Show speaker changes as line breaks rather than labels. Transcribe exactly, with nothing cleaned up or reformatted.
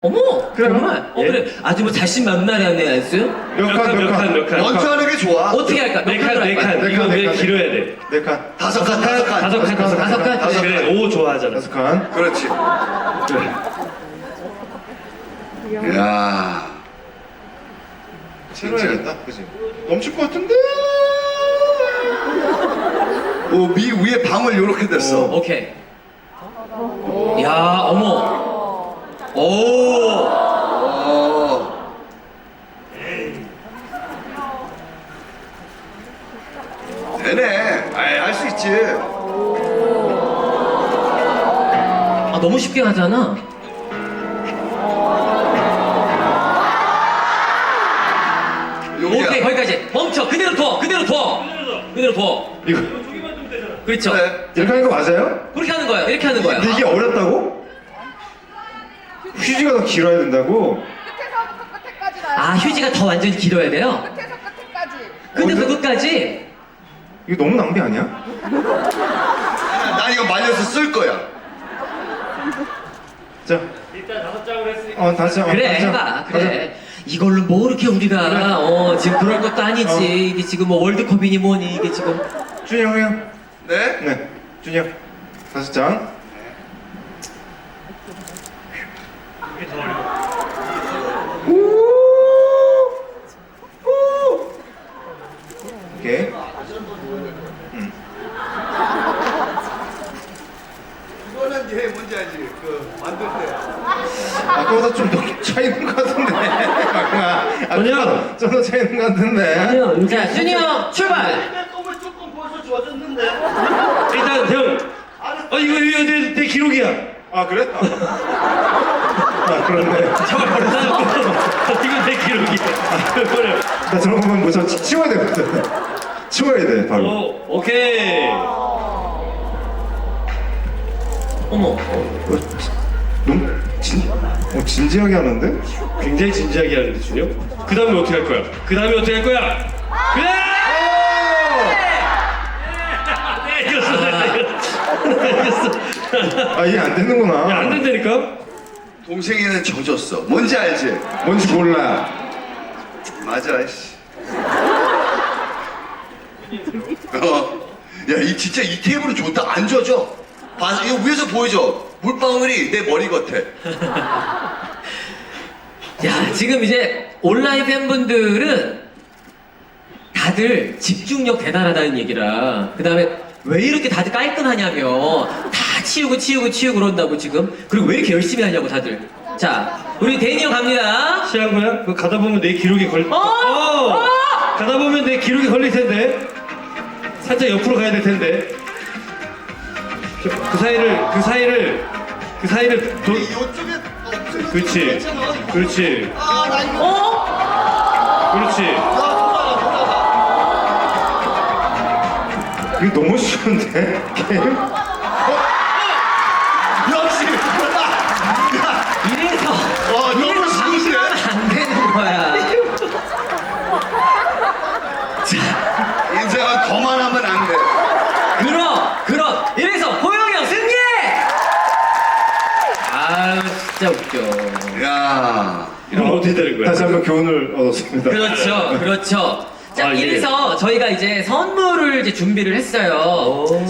어머!
그래요?
정말? 어,
예?
그래. 아주 뭐 자신만만하네, 알았어요?
몇 칸, 몇 칸, 몇 칸?
먼저 하는 게 좋아.
어떻게 할까?
네
몇
칸,
칸으로
네
할까?
칸.
네
이거
칸, 네
왜
칸.
길어야 돼?
네 칸. 다섯 칸, 다섯 칸.
다섯 칸, 다섯 칸.
다섯 칸?
다섯
그래,
칸.
오 좋아하잖아.
다섯 칸. 그렇지.
그래.
야.
채워야겠다, 그지? 넘칠 것 같은데?
오, 미 위에 방울 요렇게 됐어.
오케이. 야, 어머. 오!
어. 되네. 아이, 할 수 있지.
아, 너무 쉽게 하잖아.
여기야.
오케이, 거기까지. 멈춰. 그대로 둬. 그대로 둬. 그대로 둬.
이거,
그렇죠.
그래.
이렇게 하는 거 맞아요?
그렇게 하는 거예요. 이렇게 하는 거예요.
근데 이게 어렵다고? 휴지가 더 길어야 된다고?
끝에서부터 끝에까지 나요.
아, 휴지가 더 완전히 길어야 돼요?
끝에서 끝에까지.
끝에서
어디-
끝까지?
이거 너무 낭비 아니야?
난 이거 말려서 쓸 거야.
자. 일단 다섯 장으로 했으니까. 어, 다섯 장. 어,
그래,
다섯 장.
해봐. 그래. 이걸로 뭐 이렇게 우리가, 어, 지금 그럴 것도 아니지.
어.
이게 지금 뭐 월드컵이니 뭐니, 이게 지금.
준이 형이요?
네?
네. 준이 형. 다섯 장. 오케이.
이거는 얘 뭔지 알지? 그 만들 때.
아까보다 좀 더 차이는 것 같은데. 아니야. 좀 더 차이는 것 같은데.
자, 준이 형, 출발!
껌을 조금 벌써 좋아졌는데.
일단 형. 어 이거 이거 내, 내 기록이야. 아 그래? 아 그렇네.
저걸 벌써?
이거 내 기록이야. 아, 그래. 나 저런 거면 뭐저 치워야 되거든. 치워야 돼 바로.
오, 오케이.
어머.
어, 너무 진, 어, 진지하게 하는데?
굉장히 진지하게 하는데 준영. 그 다음에 어떻게 할 거야? 그 다음에 어떻게 할 거야? 그래! 네, 이겼어, 네, 이겼어.
아 이게 안 되는구나.
야, 안 된다니까?
동생이는 젖었어. 뭔지 알지?
뭔지 몰라.
맞아, 씨. 어. 야, 이 진짜 이 테이블은 좋다. 안 젖어. 봐, 이거 위에서 보이죠? 물방울이 내 머리 같아.
야, 지금 이제 온라인 팬분들은 다들 집중력 대단하다는 얘기라. 그 다음에 왜 이렇게 다들 깔끔하냐며. 다 치우고 치우고 치우고 그런다고 지금. 그리고 왜 이렇게 열심히 하냐고 다들. 자, 우리 데니 형 갑니다.
시한 거야? 그거 가다 보면 내 기록이 걸.
어! 어!
가다 보면 내 기록이 걸릴 텐데. 살짝 옆으로 가야 될 텐데. 저, 그 사이를, 그 사이를, 그 사이를 도.
이쪽에 없으면
그렇지. 그렇지.
아, 나 이거.
어?
그렇지.
이거 너무 쉬운데 게임?
역시. 야,
이래서.
와, 너무
이래서
쉬운데?
방심하면 안 되는 거야.
인생은 거만하면 안 돼.
그럼, 그럼. 이래서 호영이 형 승리! 아유, 진짜 웃겨.
야.
이러면 어떻게 되는 거야?
다시 한번 교훈을 얻었습니다.
그렇죠, 그렇죠. 자,
아, 예.
이래서 저희가 이제 선물을 이제 준비를 했어요.